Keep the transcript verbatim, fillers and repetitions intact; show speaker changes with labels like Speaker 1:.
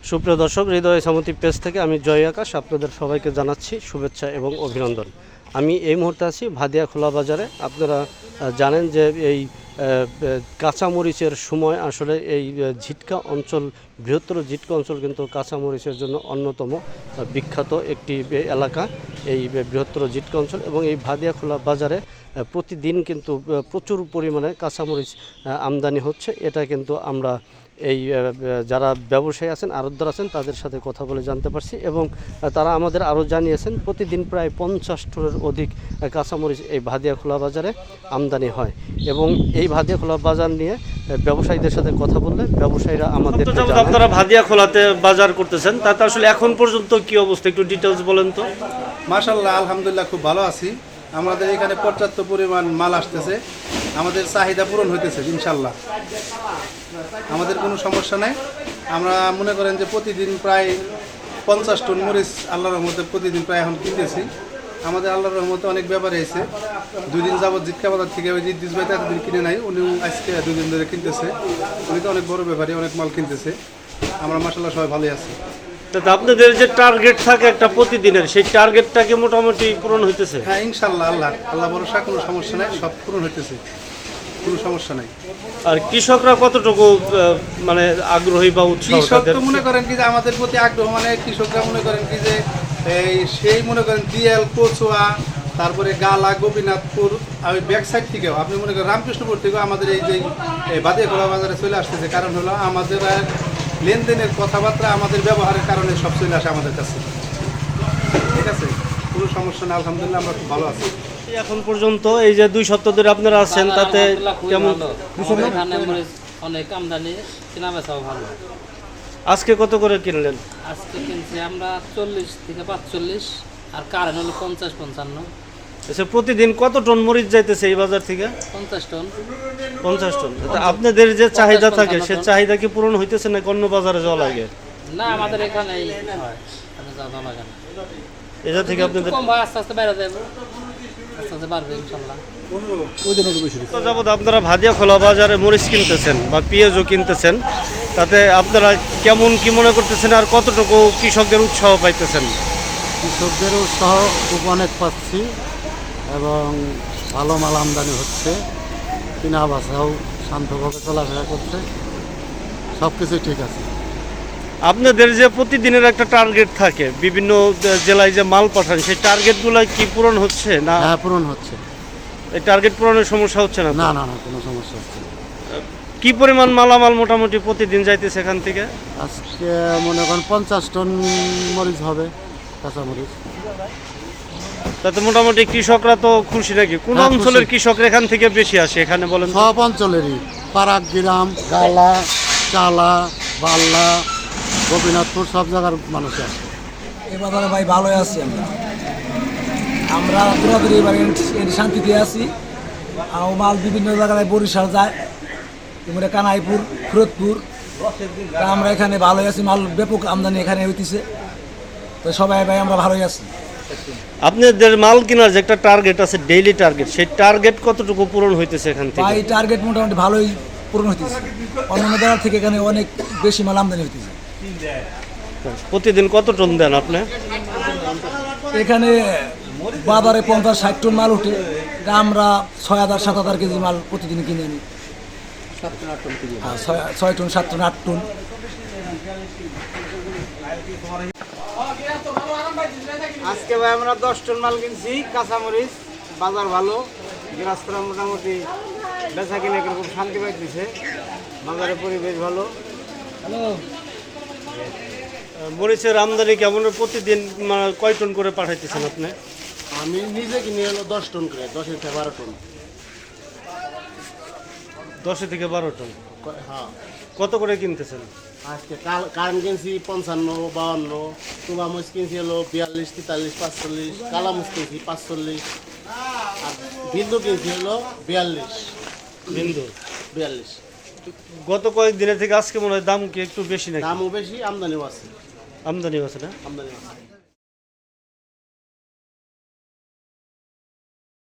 Speaker 1: সুপ্রিয় দর্শক, হৃদয় সামুদ্রিক পেজ থেকে আমি জয় আকাশ আপনাদের সবাইকে জানাচ্ছি শুভেচ্ছা এবং অভিনন্দন। আমি এই মুহূর্তে আছি ভাদিয়া খোলা বাজারে। আপনারা জানেন যে এই কাঁচামরিচের সময় আসলে এই ঝিটকা অঞ্চল, বৃহত্তর ঝিটকা অঞ্চল কিন্তু কাঁচামরিচের জন্য অন্যতম বিখ্যাত একটি এলাকা, এই বৃহত্তর ঝিটকা অঞ্চল। এবং এই ভাদিয়া খোলা বাজারে প্রতিদিন কিন্তু প্রচুর পরিমাণে কাঁচামরিচ আমদানি হচ্ছে। এটা কিন্তু আমরা এই যারা ব্যবসায়ী আছেন, আড়তদার আছেন, তাদের সাথে কথা বলে জানতে পারছি এবং তারা আমাদের আরও জানিয়েছেন প্রতিদিন প্রায় পঞ্চাশ টনের অধিক কাঁচামরিচ এই ভাদিয়া খোলা বাজারে আমদানি হয়। এবং এই ভাদিয়া খোলা বাজার নিয়ে ব্যবসায়ীদের সাথে কথা বললে ব্যবসায়ীরা আমাদের, আপনারা ভাদিয়া খোলাতে বাজার করতেছেন, তাতে আসলে এখন পর্যন্ত কি অবস্থা একটু ডিটেলস বলেন তো।
Speaker 2: মাশাআল্লাহ, আলহামদুলিল্লাহ খুব ভালো আছি। আমাদের এখানে পর্যাপ্ত পরিমাণ মাল আসতেছে, আমাদের চাহিদা পূরণ হইতেছে ইনশাল্লাহ, আমাদের কোনো সমস্যা নাই। আমরা মনে করেন যে প্রতিদিন প্রায় পঞ্চাশ টন মরিচ আল্লাহর রহমতে প্রতিদিন প্রায় এখন কিনতেছি। আমাদের আল্লাহর রহমতে অনেক ব্যাপারে এসে দুই দিন যাবত জিটকা বাজার থেকে ওই জিদ্দিস ভাই এতদিন কিনে নাই, উনিও আজকে দুই দিন ধরে কিনতেছে। উনি তো অনেক বড় ব্যাপারী, অনেক মাল কিনতেছে। আমরা মাশাআল্লাহ সবাই ভালোই আছি।
Speaker 1: আপনাদের যে টার্গেট থাকে একটা প্রতিদিনের, সেই টার্গেটটাকে মোটামুটি পূরণ হইতেছে?
Speaker 2: হ্যাঁ ইনশাল্লাহ, আল্লাহ আল্লাহ ভরসা, কোনো সমস্যা নাই, সব পূরণ হইতেছে, কোনো সমস্যা নাই।
Speaker 1: আর কৃষকরা কতটুকু মানে আগ্রহী বা উৎসাহ?
Speaker 2: কৃষক তো মনে করেন কি যে আমাদের প্রতি আগ্রহ, মানে কৃষকরা মনে করেন কি যে এই সেই মনে করেন দিয়াল, কচুয়া, তারপরে গালা, গোপীনাথপুর, আর ওই ব্যাক সাইড থেকেও আপনি মনে করেন রামকৃষ্ণপুর থেকেও আমাদের এই যে ভাদিয়া খোলা বাজারে চলে আসতেছে। কারণ হলো আমাদের লেনদেনের কথাবার্তা, আমাদের ব্যবহারের কারণে সব চলে আসে আমাদের কাছে। ঠিক আছে, কোনো সমস্যা নেই, আলহামদুলিল্লাহ আমরা খুব ভালো আছি।
Speaker 1: এখন পর্যন্ত এই যে দুই সপ্তাহ ধরে আপনারা আছেন, তাতে কেমন?
Speaker 3: অনেক আমদানি, কেনা বেচাও ভালো।
Speaker 1: আজকে কত করে কিনলেন?
Speaker 3: আজকে কিনছি আমরা চল্লিশ থেকে পাঁচচল্লিশ, আর কারেন্ট হলো পঞ্চাশ পঞ্চান্ন।
Speaker 1: আচ্ছা, প্রতিদিন কত টন মরিচ যাইতেছে এই বাজার থেকে?
Speaker 3: পঞ্চাশ টন।
Speaker 1: পঞ্চাশ টন। আপনাদের যে চাহিদা থাকে সে চাহিদা কি পূরণ হইতেছে না অন্য বাজারে যাওয়া লাগে?
Speaker 3: না, আমাদের এখানেই হয়, যাওয়া লাগে না।
Speaker 1: এটা থেকে আপনাদের
Speaker 3: কম হয়, আস্তে আস্তে বেড়ে যাবে, আস্তে আস্তে বাড়বে ইনশাল্লাহ।
Speaker 1: যাবত আপনারা ভাদিয়া খোলা বাজারে মরিচ কিনতেছেন বা পেঁয়াজও কিনতেছেন, তাতে আপনারা কেমন কি মনে করতেছেন আর কতটুকু কৃষকদের উৎসাহ পাইতেছেন?
Speaker 4: কৃষকদের উৎসাহ খুব অনেক পাচ্ছি এবং ভালো মাল আমদানি হচ্ছে, কিনা বাসাও শান্তভাবে চলাফেরা করছে, সব কিছুই ঠিক আছে।
Speaker 1: আপনাদের যে প্রতিদিনের একটা টার্গেট থাকে, বিভিন্ন জেলায় যে মাল পাঠান, সেই টার্গেটগুলো কি পূরণ হচ্ছে না?
Speaker 4: হ্যাঁ, পূরণ হচ্ছে।
Speaker 1: এই টার্গেট পূরণের সমস্যা হচ্ছে না?
Speaker 4: না না না, কোনো সমস্যা হচ্ছে না।
Speaker 1: কি পরিমাণ মালামাল মোটামুটি প্রতিদিন যাইতেছে এখান থেকে?
Speaker 4: আজকে মনে করেন পঞ্চাশ টন মরিচ হবে, কাঁচা মরিচ।
Speaker 1: তাতে মোটামুটি কৃষকরা তো খুশি নাকি? কোন
Speaker 4: হ্যাঁ,
Speaker 1: অঞ্চলের
Speaker 4: খুশি।
Speaker 1: কৃষকরা এখান থেকে বেশি আসে এখানে বলেন?
Speaker 4: সব অঞ্চলেরই, পারাক গ্রাম, গালা, চালা, বাল্লা, গোপীনাথপুর, সব জায়গার মানুষ আসে।
Speaker 5: এ বাজারে ভাই ভালোই আছি আমরা। আমরা দূরাদূরি এবারে শান্তিতে আছি। আর মাল বিভিন্ন জায়গায় বরিশাল যায়, এবারে কানাইপুর, ফিরোজপুর। তা আমরা এখানে ভালোই আছি, মাল ব্যাপক আমদানি এখানে হইতেছে, তো সবাই ভাই আমরা ভালোই আছি।
Speaker 1: আপনাদের মাল কেনার যে একটা টার্গেট আছে, ডেইলি টার্গেট, সেই টার্গেট কতটুকু পূরণ হইতেছে এখান থেকে?
Speaker 5: ভাই টার্গেট মোটামুটি ভালোই পূরণ হইতেছে, অন্যান্য জায়গা থেকে এখানে অনেক বেশি মাল আমদানি হইতেছে।
Speaker 1: প্রতিদিন কত টন দেন আপনি?
Speaker 5: এখানে বাজারে পঞ্চাশ ষাট টন মাল উঠে, তা আমরা ছয় হাজার সাত হাজার কেজি মাল প্রতিদিন কিনে আনি। হ্যাঁ, ছয় ছয় টন, সাত টন, আট টন।
Speaker 6: আজকে ভাই আমরা দশ টন মাল কিনছি কাঁচামরিচ। বাজার ভালো, গৃহস্থরা মোটামুটি বেচা কিনে খুব শান্তি পাইতেছে, বাজারের পরিবেশ ভালো।
Speaker 1: মরিচের আমদানি কেমন? প্রতিদিন কয় টন করে পাঠাইতেছেন আপনি?
Speaker 4: আমি নিজে কিনে এলো দশ টন করে, দশ থেকে বারো টন।
Speaker 1: দশ থেকে বারো টন?
Speaker 4: হ্যাঁ।
Speaker 1: কত করে কিনতেছেন?
Speaker 4: আজকে কারেন্ট কিনছি পঞ্চান্ন, বাউান্ন, তুবা মরিচ কিনছি হলো বিয়াল্লিশ, তেতাল্লিশ, পাঁচচল্লিশ, কালা মরিচ কিনছি পাঁচচল্লিশ, আর বিন্দু কিনছি হলো বিয়াল্লিশ।
Speaker 1: বিন্দু
Speaker 4: বিয়াল্লিশ।
Speaker 1: গত কয়েক দিনের থেকে আজকে মনে হয় দাম কি একটু বেশি নাকি?
Speaker 4: দামও বেশি, আমদানিও আছে।
Speaker 1: আমদানিও আছে না?
Speaker 4: আমদানিও আছে।